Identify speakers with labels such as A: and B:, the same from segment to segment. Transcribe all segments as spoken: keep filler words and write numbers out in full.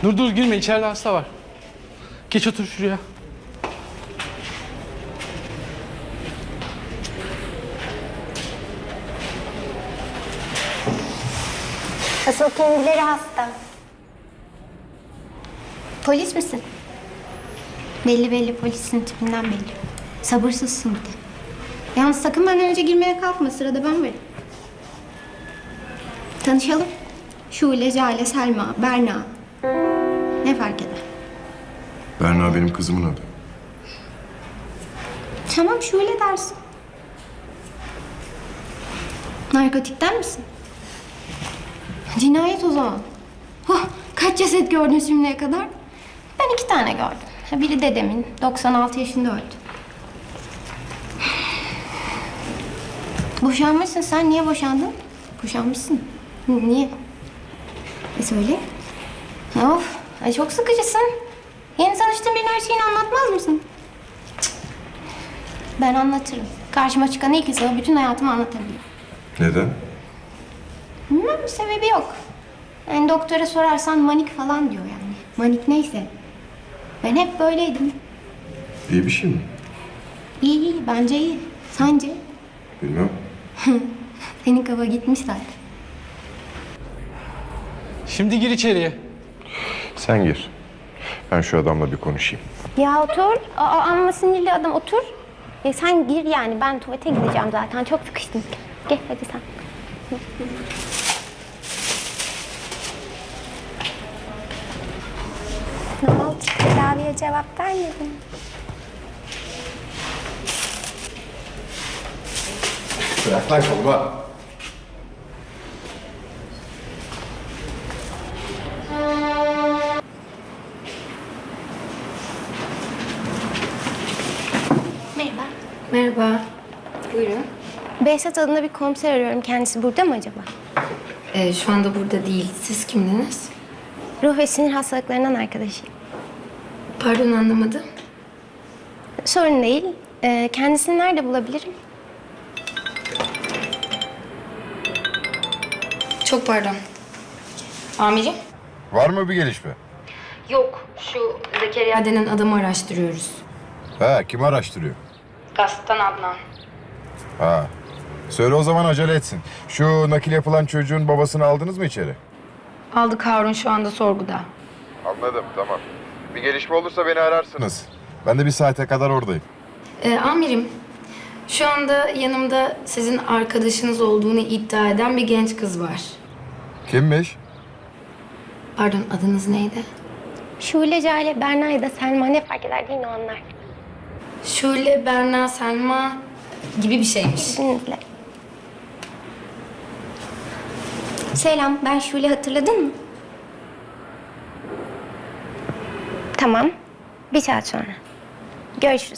A: Dur dur girme, içeride hasta var. Geç otur şuraya.
B: Asıl kendileri hasta. Polis misin? Belli belli, polisin tipinden belli. Sabırsızsın bir de. Yalnız sakın benden önce girmeye kalkma, sırada ben varım. Tanışalım. Şule, Jale, Selma, Berna. Ne fark eder?
C: Berna benim kızımın adı.
B: Tamam, Şule dersin. Narkotikten misin? Cinayet o zaman. Oh, kaç ceset gördün şimdiye kadar? Ben iki tane gördüm. Ha, biri dedemin, doksan altı yaşında öldü. Boşanmışsın sen. Niye boşandın? Boşanmışsın. N- Niye? E söyle. Of, ay çok sıkıcısın. Yeni tanıştığın birine her şeyini anlatmaz mısın? Cık. Ben anlatırım. Karşıma çıkan ilk insana bütün hayatımı anlatabilirim.
C: Neden?
B: Bilmem, bir sebebi yok. Yani doktora sorarsan manik falan diyor yani. Manik neyse. Ben hep böyleydim.
C: İyi bir şey mi?
B: İyi iyi, bence iyi. Sence?
C: Bilmem.
B: Senin kafa gitmiş zaten.
A: Şimdi gir içeriye.
C: Sen gir. Ben şu adamla bir konuşayım.
B: Ya otur. Aa, amma sinirli adam, otur. Ya sen gir yani, ben tuvalete gideceğim zaten. Çok sıkıştım. Gel hadi sen. Ne oldu? Tedaviye cevap vermedin.
C: Bırak lan kolumu.
B: Merhaba.
D: Merhaba. Buyurun.
B: Behzat adında bir komiser arıyorum. Kendisi burada mı acaba?
D: Ee, şu anda burada değil. Siz kimdiniz?
B: Ruh ve sinir hastalıklarından arkadaşıyım.
D: Pardon, anlamadım.
B: Sorun değil. Ee, kendisini nerede bulabilirim?
D: Çok pardon. Amirim?
C: Var mı bir gelişme?
D: Yok. Şu Zekeriya denen adamı araştırıyoruz.
C: Ha, kim araştırıyor?
D: Gazetten Adnan.
C: Ha. Söyle o zaman acele etsin. Şu nakil yapılan çocuğun babasını aldınız mı içeri?
D: Aldık, Harun şu anda sorguda.
C: Anladım, tamam. Bir gelişme olursa beni ararsınız. Ben de bir saate kadar oradayım.
D: Ee, amirim, şu anda yanımda sizin arkadaşınız olduğunu iddia eden bir genç kız var.
C: Kimmiş?
D: Pardon, adınız neydi?
B: Şule, Jale, Berna ya da Selma, ne fark eder değil mi onlar?
D: Şule, Berna, Selma gibi bir şeymiş.
B: İzninizle. Selam, ben Şule, hatırladın mı? Tamam, bir saat sonra. Görüşürüz.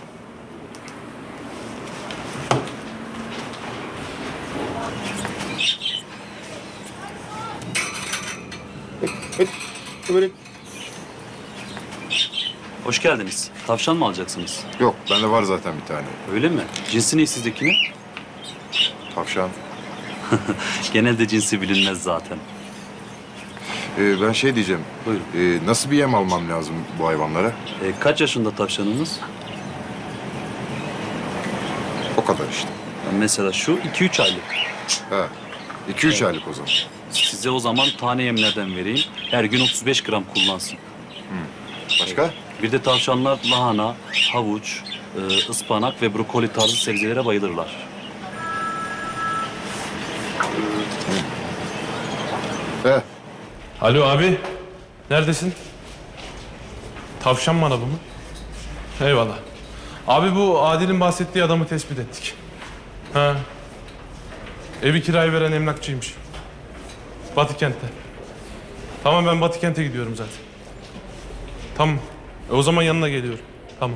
C: Böyle...
E: Hoş geldiniz. Tavşan mı alacaksınız?
C: Yok, bende var zaten bir tane.
E: Öyle mi? Cinsi ne sizdekinin?
C: Tavşan.
E: Genelde cinsi bilinmez zaten.
C: Ee, ben şey diyeceğim.
E: Buyurun.
C: Ee, nasıl bir yem almam lazım bu hayvanlara?
E: E, kaç yaşında tavşanınız?
C: O kadar işte.
E: Ya mesela şu iki üç aylık.
C: Ha. iki üç aylık o zaman.
E: Size o zaman tane yemlerden vereyim. Her gün otuz beş gram kullansın.
C: Başka?
E: Bir de tavşanlar lahana, havuç, e, ıspanak ve brokoli tarzı sebzelere bayılırlar.
C: He.
A: Alo abi. Neredesin? Tavşan manavı mı? Eyvallah. Abi bu Adil'in bahsettiği adamı tespit ettik. Ha. Evi kiraya veren emlakçıymış. Batı kentte. Tamam, ben Batı kente gidiyorum zaten. Tamam. E, o zaman yanına geliyorum. Tamam.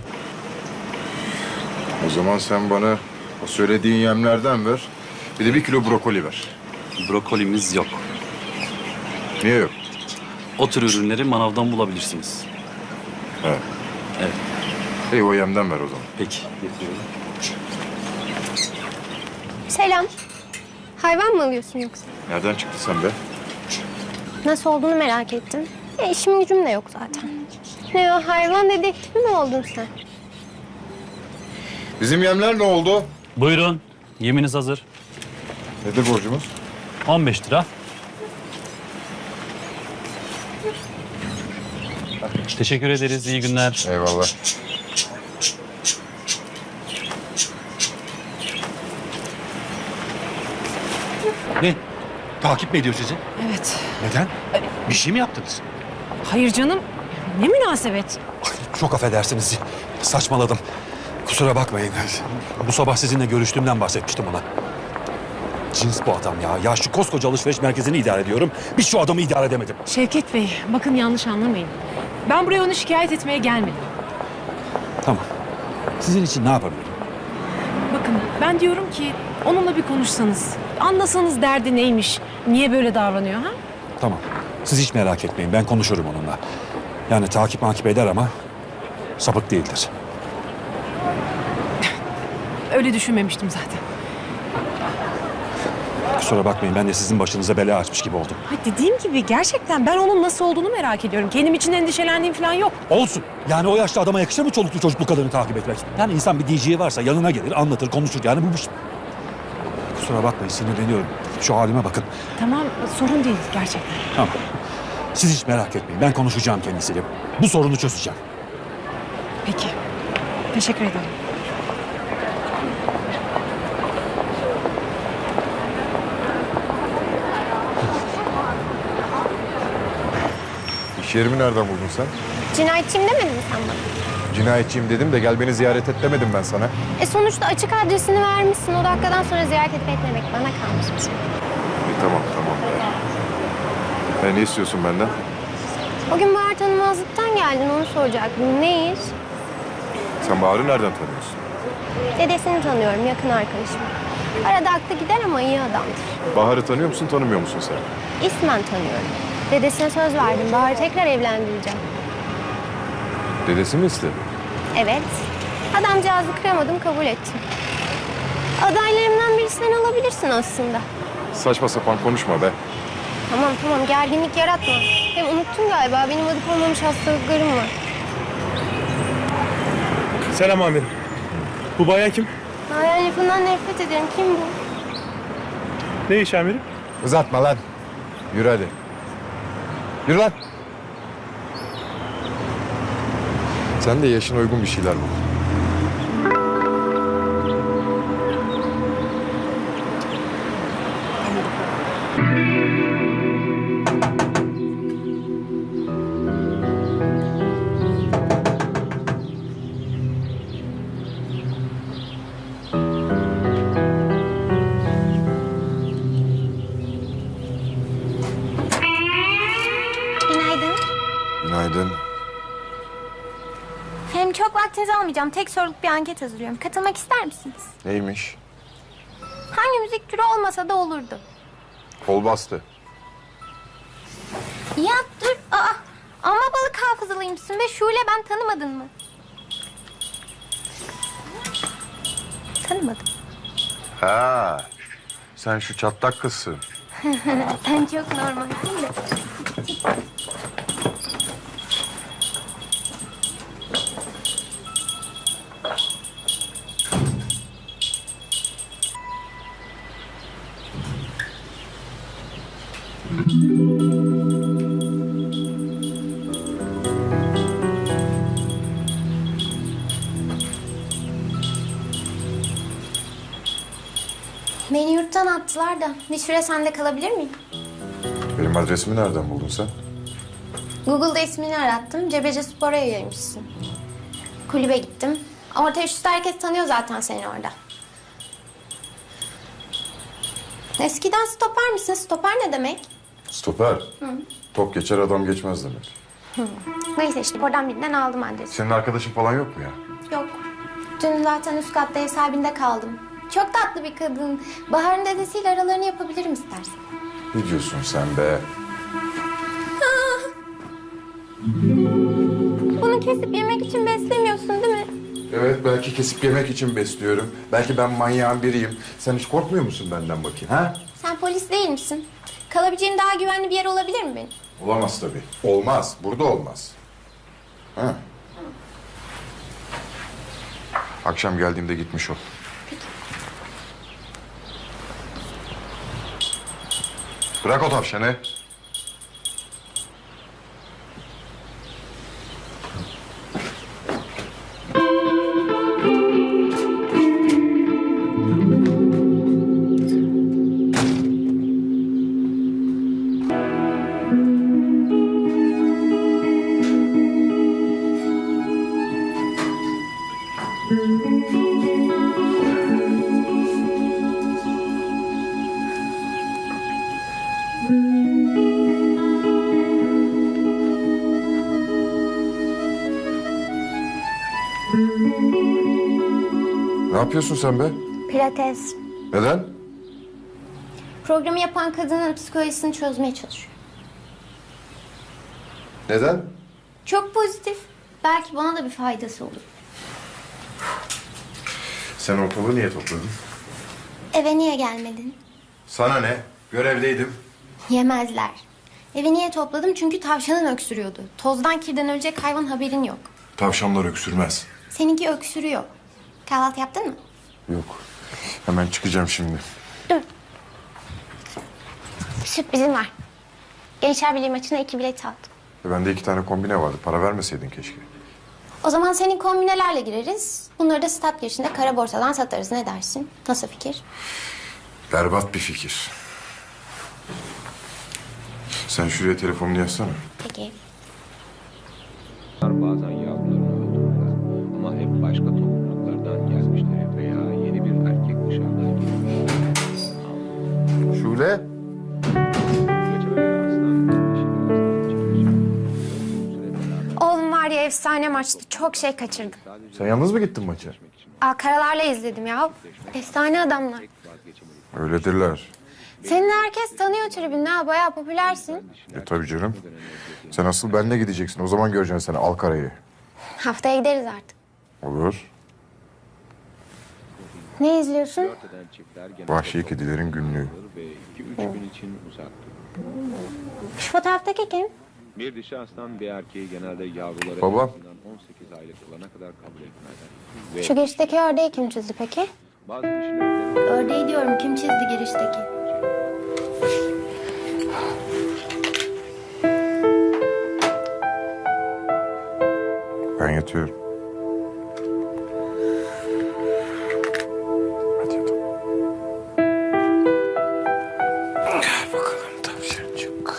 C: O zaman sen bana o söylediğin yemlerden ver. Bir de bir kilo brokoli ver.
E: Brokolimiz yok.
C: Niye yok?
E: O tür ürünleri manavdan bulabilirsiniz.
C: He.
E: Evet.
C: İyi, o yemden ver o zaman.
E: Peki. Getiriyorum.
B: Selam. Hayvan mı alıyorsun yoksa?
C: Nereden çıktı sen be?
B: Nasıl olduğunu merak ettim. E, işim gücüm de yok zaten. Ne o hayvan dedektifi mi oldun sen?
C: Bizim yemler ne oldu?
E: Buyurun. Yeminiz hazır.
C: Nedir borcumuz?
E: on beş lira. Teşekkür ederiz. İyi günler.
C: Eyvallah.
F: Ne? Takip mi ediyor sizi?
G: Evet.
F: Neden? Bir şey mi yaptınız?
G: Hayır canım. Ne münasebet.
F: Ay, çok affedersiniz. Saçmaladım. Kusura bakmayın. Bu sabah sizinle görüştüğümden bahsetmiştim ona. Cins bu adam ya. Ya şu koskoca alışveriş merkezini idare ediyorum. Bir şu adamı idare edemedim.
G: Şevket Bey, bakın yanlış anlamayın. Ben buraya onu şikayet etmeye gelmedim.
F: Tamam. Sizin için ne yapabilirim?
G: Bakın ben diyorum ki onunla bir konuşsanız. Anlasanız derdi neymiş. Niye böyle davranıyor ha?
F: Tamam. Siz hiç merak etmeyin. Ben konuşurum onunla. Yani takip makip eder ama sapık değildir.
G: Öyle düşünmemiştim zaten.
F: Kusura bakmayın. Ben de sizin başınıza bela açmış gibi oldum.
G: Ha, dediğim gibi gerçekten ben onun nasıl olduğunu merak ediyorum. Kendim için endişelendiğim falan yok.
F: Olsun. Yani o yaşta adama yakışır mı çoluklu çocuklu kadını takip etmek? Yani insan bir D J'ye varsa yanına gelir, anlatır, konuşur. Yani bu bir şey. Kusura bakmayın, sinirleniyorum. Şu halime bakın.
G: Tamam, sorun değil gerçekten.
F: Tamam. Siz hiç merak etmeyin. Ben konuşacağım kendisiyle. Bu sorunu çözeceğim.
G: Peki. Teşekkür ederim.
C: İş yerimi nereden buldun sen?
B: Cinayetçiyim demedin mi sen bana?
C: Cinayetçiyim dedim de gel beni ziyaret et demedim ben sana.
B: E sonuçta açık adresini vermişsin. O dakikadan sonra ziyaret edip etmemek bana kalmış bir şey.
C: İyi, tamam tamam be. E, ne istiyorsun benden?
B: O gün Bahar tanımazlıktan geldin, onu soracaktım. Ne iş?
C: Sen Bahar'ı nereden tanıyorsun?
B: Dedesini tanıyorum, yakın arkadaşım. Arada aklı gider ama iyi adamdır.
C: Bahar'ı tanıyor musun, tanımıyor musun sen?
B: İsmen tanıyorum. Dedesine söz verdim, Bahar'ı tekrar evlendireceğim.
C: Dedesi mi istedi?
B: Evet. Adamcağızı kıramadım, kabul ettim. Adaylarımdan biri sen olabilirsin aslında.
C: Saçma sapan konuşma be.
B: Tamam tamam, gerginlik yaratma. Hem unuttun galiba, benim adı konmamış hastalıklarım var.
A: Selam amirim. Bu bayan kim?
B: Hayal lafından nefret ederim. Kim bu?
A: Ne iş amirim?
C: Uzatma lan. Yürü hadi. Yürü lan. Sen de yaşına uygun bir şeyler bul.
B: Günaydın.
C: Günaydın.
B: Hem çok vaktinizi almayacağım. Tek soruluk bir anket hazırlıyorum. Katılmak ister misiniz?
C: Neymiş?
B: Hangi müzik türü olmasa da olurdu.
C: Kol bastı.
B: Ya dur. Aa, ama balık hafızalıymışsın ve Şule, ben tanımadın mı? Tanımadım.
C: Ha. Sen şu çatlak kızsın.
B: Sen çok normalsin de. Beni yurttan attılar da bir süre sende kalabilir miyim?
C: Benim adresimi nereden buldun sen?
B: Google'da ismini arattım. Cebece Spor'a yayılmışsın. Kulübe gittim. Orta üstte herkes tanıyor zaten seni orada. Eskiden stoper misin? Stoper ne demek?
C: Stoper. Top geçer adam geçmez demek.
B: Neyse işte oradan birinden aldım adresi.
C: Senin arkadaşın falan yok mu ya?
B: Yok. Dün zaten üst katta ev sahibinde kaldım. Çok tatlı bir kadın. Bahar'ın dedesiyle aralarını yapabilirim istersen.
C: Ne diyorsun sen be?
B: Bunu kesip yemek için beslemiyorsun değil mi?
C: Evet, belki kesip yemek için besliyorum. Belki ben manyağın biriyim. Sen hiç korkmuyor musun benden bakayım ha?
B: Sen polis değil misin? Kalabileceğim daha güvenli bir yer olabilir mi benim?
C: Olamaz tabii. Olmaz. Burada olmaz. Ha. Akşam geldiğimde gitmiş ol. Bırak o tavşanı. Ne yapıyorsun sen be?
B: Pilates.
C: Neden?
B: Programı yapan kadının psikolojisini çözmeye çalışıyor.
C: Neden?
B: Çok pozitif. Belki bana da bir faydası olur.
C: Sen ortalığı niye topladın?
B: Eve niye gelmedin?
C: Sana ne? Görevdeydim.
B: Yemezler. Evi niye topladım? Çünkü tavşanın öksürüyordu. Tozdan kirden ölecek hayvan haberin yok.
C: Tavşanlar öksürmez.
B: Seninki öksürüyor. Kahvaltı yaptın mı?
C: Yok. Hemen çıkacağım şimdi.
B: Dur. Bir sürprizim var. Gençler Birliği maçına iki bilet aldım.
C: E bende iki tane kombine vardı. Para vermeseydin keşke.
B: O zaman senin kombinelerle gireriz. Bunları da stat girişinde kara borsadan satarız. Ne dersin? Nasıl fikir?
C: Berbat bir fikir. Sen şuraya telefonunu yazsana.
B: Peki.
H: Bazen yavrularını öldürürler ama hep başka topluluklardan gelmişleri veya yeni bir erkek dışarıdan gelmiş.
C: Şule.
H: Geceleri aslan dişi birazdan çekecek. Uzun süre beraber
B: Oğlum var ya efsane maçtı. Çok şey kaçırdım.
C: Sen yalnız mı gittin maça?
B: Aa, karalarla izledim ya. Efsane adamlar.
H: vazgeçemedik.
C: Öyledirler.
B: Seni herkes tanıyor tribünde ha. Bayağı popülersin.
C: E tabii canım. Sen asıl benimle gideceksin. O zaman göreceksin seni Alkara'yı.
B: Haftaya gideriz artık.
C: Olur.
B: Ne izliyorsun?
H: Eden çiftler genelde
C: Vahşi kedilerin günlüğü.
H: ve iki üç gün için uzak durur.
B: Şu fotoğraftaki kim?
H: Bir dişi aslan bir erkeği genelde yavruları
C: Baba.
H: en azından on sekiz aylık olana kadar kabul etmezler. Ve
B: Şu girişteki ördeği kim çizdi peki?
H: bazı dişilerde
B: Ördeği diyorum. Kim çizdi girişteki?
C: Ben yatıyorum. Hadi yatalım. Gel bakalım tavşancık.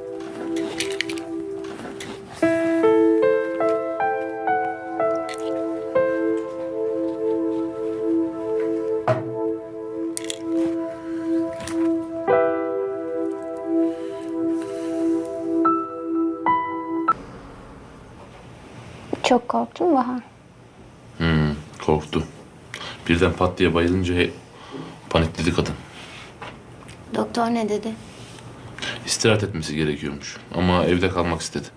B: Çok korktun mu Bahar?
A: Korktu. Birden pat diye bayılınca panikledi kadın.
B: Doktor ne dedi?
A: İstirahat etmesi gerekiyormuş. Ama evde kalmak istedi.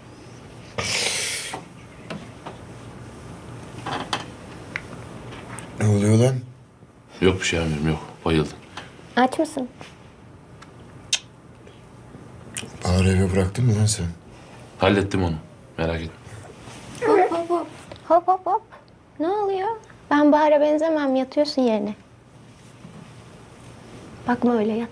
C: Ne oluyor lan?
A: Yok bir şey amirim yok. Bayıldı.
B: Aç mısın?
C: Bahar'ı eve bıraktın mı lan sen?
A: Hallettim onu. Merak etme.
B: Hop hop hop. Hop hop hop. Ne oluyor? Ben Bahar'a benzemem. Yatıyorsun yerine. Bakma öyle yat.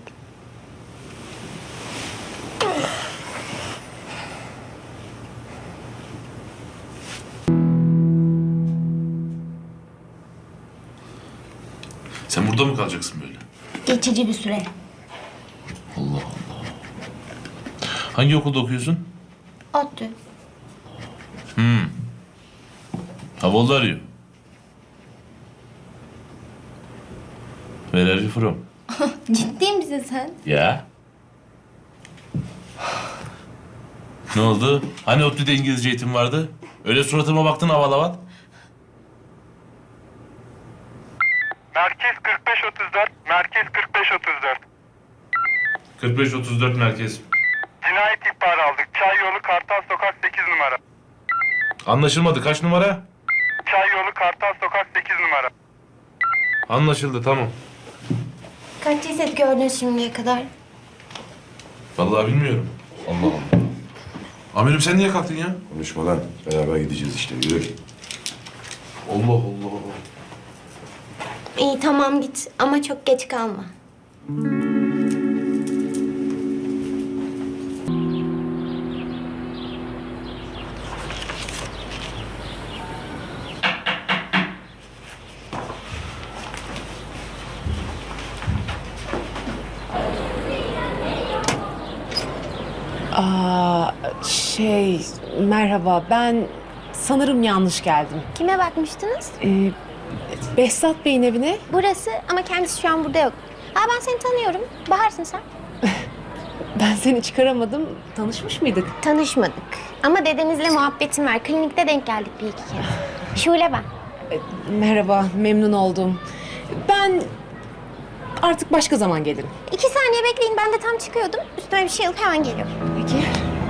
A: Sen burada mı kalacaksın böyle?
B: Geçici bir süre.
A: Allah Allah. Hangi okulda okuyorsun?
B: ODTÜ.
A: Havalı arıyor. Where are you from?
B: Ciddi misin sen?
A: Ya. Ne oldu? Hani ODTÜ'de İngilizce eğitim vardı? Öyle suratıma baktın aval aval.
I: Merkez kırk beş otuz dört, Merkez kırk beş otuz dört.
A: kırk beş otuz dört merkez.
I: Cinayet ihbarı aldık. Çay yolu Kartal Sokak sekiz numara.
A: Anlaşılmadı. Kaç numara?
I: Çay yolu Kartal Sokak sekiz numara.
A: Anlaşıldı tamam.
B: Kaç ceset gördün şimdiye kadar?
A: Vallahi bilmiyorum.
C: Allah Allah.
A: Amirim sen niye kalktın ya?
C: Konuşma lan. Beraber gideceğiz işte. Yürü.
A: Allah Allah.
B: İyi tamam git ama çok geç kalma.
G: Aa, şey, merhaba. Ben sanırım yanlış geldim.
B: Kime bakmıştınız?
G: Ee, Behzat Bey'in evine.
B: Burası ama kendisi şu an burada yok. Ha ben seni tanıyorum. Bahar'sın sen.
G: Ben seni çıkaramadım. Tanışmış mıydık?
B: Tanışmadık. Ama dedemizle muhabbetim var. Klinikte denk geldik bir iki kez. Şule ben.
G: Ee, merhaba, memnun oldum. Ben artık başka zaman gelirim.
B: İki saniye bekleyin. Ben de tam çıkıyordum. Üstüme bir şey alıp hemen geliyorum.
G: Peki.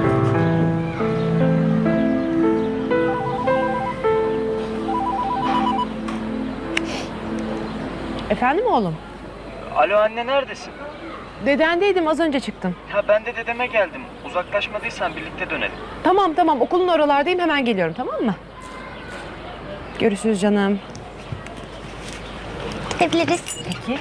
G: Efendim oğlum?
J: Alo anne neredesin?
G: Dedendeydim, az önce çıktım.
J: Ha ben de dedeme geldim. Uzaklaşmadıysan birlikte dönelim.
G: Tamam tamam, okulun oralardayım, hemen geliyorum, tamam mı? Görüşürüz canım.
B: Gidebiliriz.
G: Peki.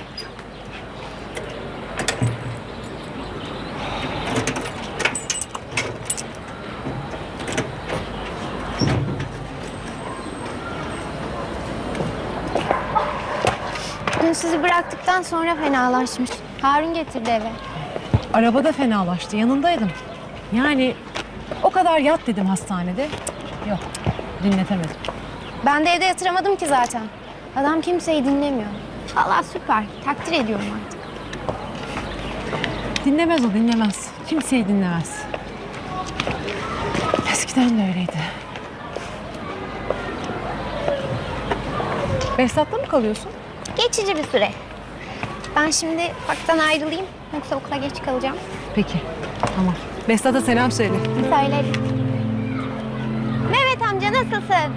B: Dün sizi bıraktıktan sonra fenalaşmış. Harun getirdi eve.
G: Arabada fenalaştı, yanındaydım. Yani o kadar yat dedim hastanede. Yok, dinletemedim.
B: Ben de evde yatıramadım ki zaten. Adam kimseyi dinlemiyor. Vallahi süper. Takdir ediyorum artık.
G: Dinlemez o, dinlemez. Kimseyi dinlemez. Eskiden de öyleydi. Behzat'ta mı kalıyorsun?
B: Geçici bir süre. Ben şimdi ufaktan ayrılayım. Yoksa okula geç kalacağım.
G: Peki, tamam. Behzat'a selam söyle.
B: Söylerim. Mehmet amca nasılsın?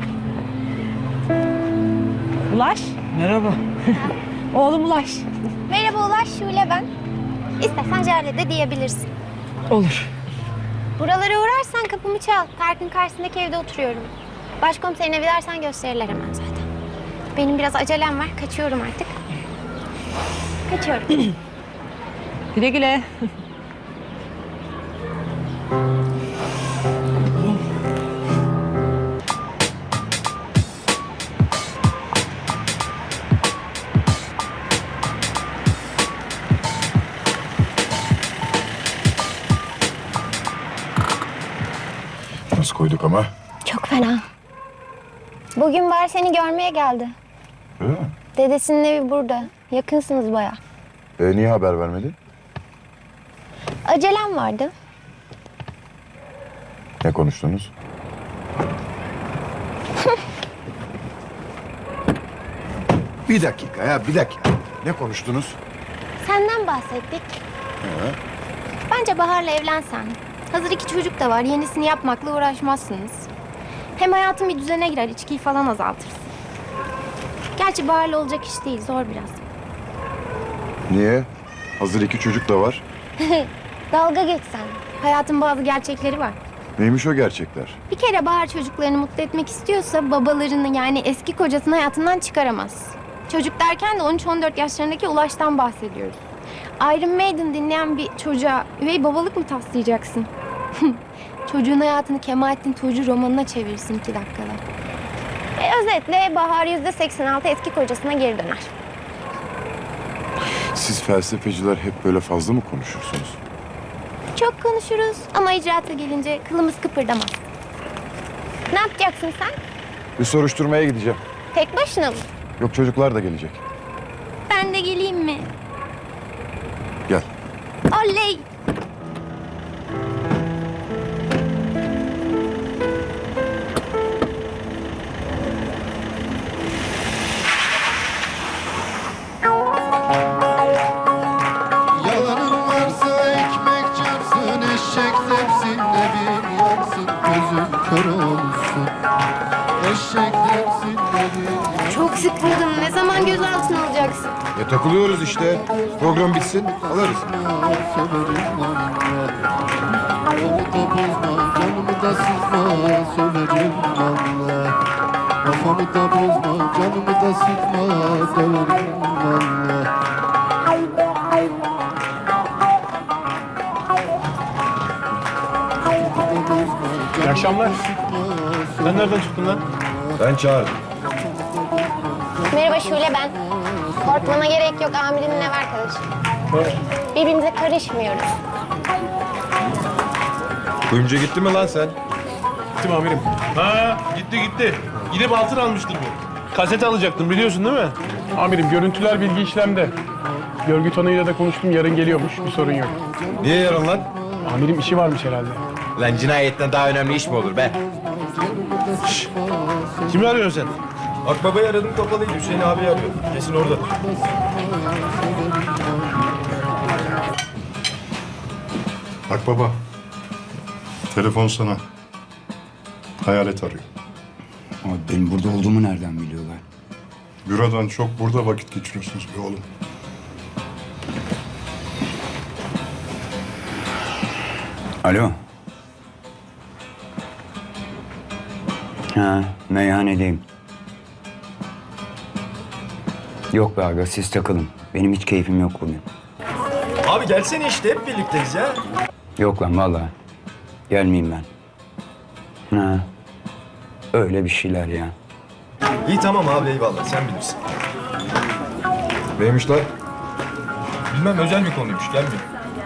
G: Ulaş.
J: Merhaba.
G: Oğlum Ulaş.
B: Merhaba Ulaş, Şule ben. İstersen Jale de diyebilirsin.
G: Olur.
B: Buralara uğrarsan kapımı çal. Parkın karşısındaki evde oturuyorum. Başkomiserin evi dersen gösterirler hemen zaten. Benim biraz acelem var. Kaçıyorum artık. Kaçıyorum.
G: Güle güle.
C: Nasıl koyduk ama?
B: Çok fena. Bugün Bahar seni görmeye geldi.
C: Öyle mi?
B: Dedesinin evi burada. Yakınsınız baya.
C: E, niye haber vermedin?
B: Acelem vardı.
C: Ne konuştunuz? Bir dakika ya, bir dakika. Ne konuştunuz?
B: Senden bahsettik. Bence Bahar'la evlensen. Hazır iki çocuk da var. Yenisini yapmakla uğraşmazsınız. Hem hayatın bir düzene girer. İçkiyi falan azaltırsın. Gerçi Bahar'la olacak iş değil. Zor biraz.
C: Niye? Hazır iki çocuk da var.
B: Dalga geçsen. Hayatın bazı gerçekleri var.
C: Neymiş o gerçekler?
B: Bir kere Bahar çocuklarını mutlu etmek istiyorsa babalarını yani eski kocasını hayatından çıkaramaz. Çocuk derken de on üç on dört yaşlarındaki Ulaş'tan bahsediyoruz. Iron Maiden dinleyen bir çocuğa üvey babalık mı taslayacaksın? Çocuğun hayatını Kemalettin Tuğcu romanına çevirsin iki dakikada. E, özetle Bahar yüzde seksen altı eski kocasına geri döner.
C: Siz felsefeciler hep böyle fazla mı konuşursunuz?
B: Çok konuşuruz ama icraata gelince kılımız kıpırdamaz. Ne yapacaksın sen?
C: Bir soruşturmaya gideceğim.
B: Tek başına mı?
C: Yok, çocuklar da gelecek.
B: Ben de geleyim mi?
C: Gel.
B: Oley!
K: Yalanın varsa ekmek çarpsın, eşek tepsinde bir yansın, gözün kör olsun. Eşek tepsinde bir yansın.
B: Çok sıkıldım. Ne zaman gözaltına alacaksın? takılacaksın?
C: E takılıyoruz işte. Program bitsin alırız.
K: Canımı da sıkma, söylerim valla. Kafamı da bozma, canımı da sıkma, döverim valla.
A: İyi akşamlar. Sen nereden çıktın lan?
C: Ben çağırdım.
B: Merhaba Şule ben. Korkmana gerek yok amirin ev arkadaşı. Birbirimize karışmıyoruz.
C: Kuyumcuya gitti mi lan sen?
A: Gittim amirim. Ha gitti gitti. Gidip altın almıştır bu. Kaset alacaktım biliyorsun değil mi?
L: Amirim görüntüler bilgi işlemde. Görgü tanığıyla da konuştum yarın geliyormuş bir sorun yok.
C: Niye yarın lan?
L: Amirim işi varmış herhalde.
C: Lan cinayetten daha önemli iş mi olur be?
A: Kimi arıyorsun sen?
C: Akbaba'yı aradım kapalıydı. Hüseyin abi arıyor. Kesin orada.
M: Bak baba. Telefon sana. Hayalet arıyor.
N: Ama benim burada olduğumu nereden biliyorlar?
M: Bürodan çok burada vakit geçiriyorsunuz be oğlum.
N: Alo. Ha, meyhanedeyim. Yok be aga, siz takılın. Benim hiç keyfim yok bugün.
F: Abi gelsene işte hep birlikteyiz ya.
N: Yok lan vallahi. Gelmeyeyim ben. Ha. Öyle bir şeyler ya.
F: İyi tamam abi eyvallah sen bilirsin.
C: Neymiş lan?
F: Bilmem özel bir konuymuş gelmiyor.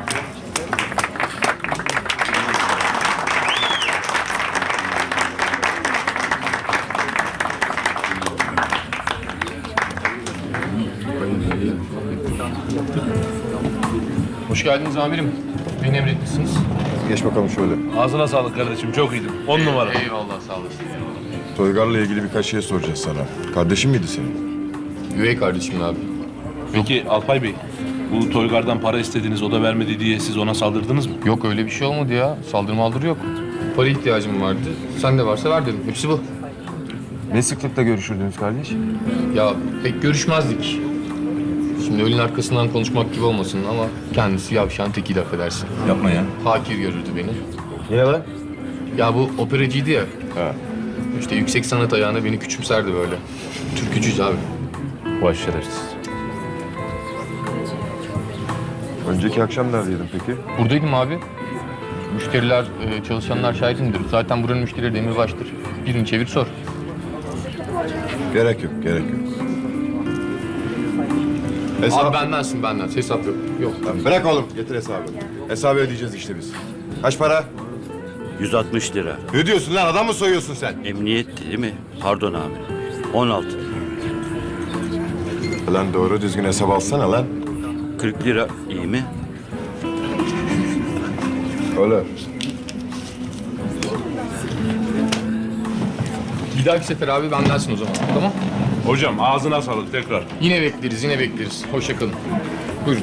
A: Hoş geldiniz amirim. Beni emretmişsiniz.
C: Geç bakalım şöyle.
A: Ağzına sağlık kardeşim. Çok iyiydin. On numara.
I: Eyvallah sağ olasın.
C: Toygar'la ilgili birkaç şey soracağız sana. Kardeşin miydi senin?
A: Üvey kardeşim abi. Peki Alpay Bey, bu Toygar'dan para istediniz, o da vermedi diye siz ona saldırdınız mı?
I: Yok öyle bir şey olmadı ya. Saldırı maldırı yok. Para ihtiyacım vardı. Sen de varsa ver dedim. Hepsi bu.
C: Ne sıklıkla görüşürdünüz kardeş?
I: Ya pek görüşmezdik. Şimdi ölün arkasından konuşmak gibi olmasın ama kendisi yavşan tekiydi affedersin.
F: Yapma ya.
I: Hakir görürdü beni.
C: Niye lan?
I: Ya bu operacıydı ya.
C: Ha.
I: İşte yüksek sanat ayağına beni küçümserdi böyle. Türkücüyüz abi.
A: Vay şerefsiz.
C: Önceki akşam neredeydin peki?
I: Buradaydım abi. Müşteriler, e, çalışanlar şahidimdir. Zaten buranın müşterileri demirbaştır. Birini çevir sor.
C: Gerek yok, gerek yok. Hesap...
I: Abi bendensin benden. Hesap yok. Yok.
C: Lan bırak oğlum, getir hesabı. Hesabı ödeyeceğiz işte biz. Kaç para?
E: yüz altmış lira.
C: Ne diyorsun lan, adam mı soyuyorsun sen?
E: Emniyet değil mi? Pardon abi. on altı.
C: Lan doğru düzgün hesap alsana lan.
E: kırk lira iyi mi?
C: Öyle.
I: Bir dahaki sefer abi bendensin o zaman. Tamam?
A: Hocam ağzına sağlık tekrar.
I: Yine bekleriz, yine bekleriz. Hoşça kalın. Buyurun.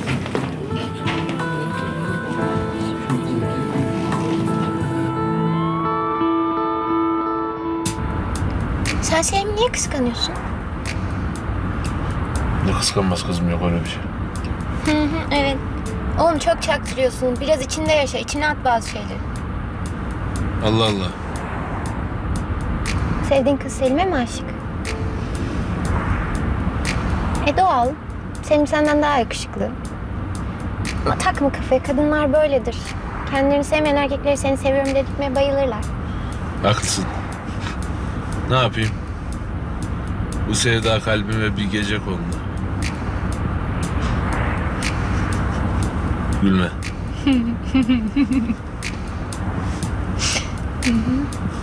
B: Sen Selim'i niye kıskanıyorsun?
A: Ne kıskanmaz kızım, yok öyle bir şey.
B: Hı hı evet. Oğlum çok çaktırıyorsun. Biraz içinde yaşa. İçine at bazı şeyleri.
A: Allah Allah.
B: Sevdiğin kız Selim'e mi aşık? E doğal. Selim senden daha yakışıklı. Ama takma kafaya. Kadınlar böyledir. Kendilerini sevmeyen erkekleri seni seviyorum dedirtmeye bayılırlar.
A: Haklısın. Ne yapayım? Bu sevda kalbime bir gece kondu. Gülme.